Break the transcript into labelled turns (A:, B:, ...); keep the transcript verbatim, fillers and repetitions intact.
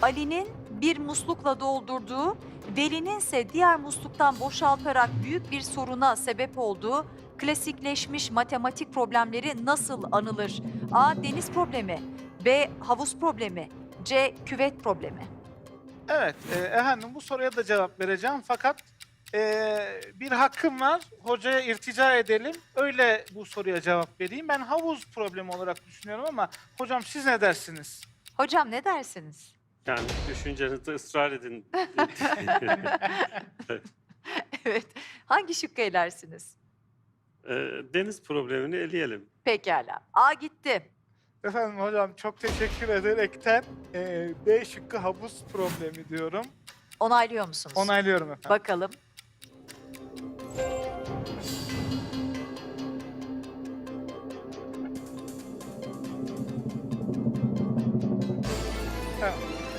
A: Ali'nin bir muslukla doldurduğu, Veli'nin ise diğer musluktan boşaltarak büyük bir soruna sebep olduğu klasikleşmiş matematik problemleri nasıl anılır? A. Deniz problemi, B. Havuz problemi, C. Küvet problemi.
B: Evet, e, efendim bu soruya da cevap vereceğim fakat e, bir hakkım var. Hocaya irtica edelim. Öyle bu soruya cevap vereyim. Ben havuz problemi olarak düşünüyorum ama hocam siz ne dersiniz?
A: Hocam ne dersiniz?
C: Yani düşüncenizde ısrar edin.
A: Evet. Hangi şıkkı elersiniz?
C: Eee, deniz problemini eleyelim.
A: Pekala. A gitti.
B: Efendim hocam çok teşekkür ederekten e, B şıkkı havuz problemi diyorum.
A: Onaylıyor musunuz?
B: Onaylıyorum efendim.
A: Bakalım.
B: Evet.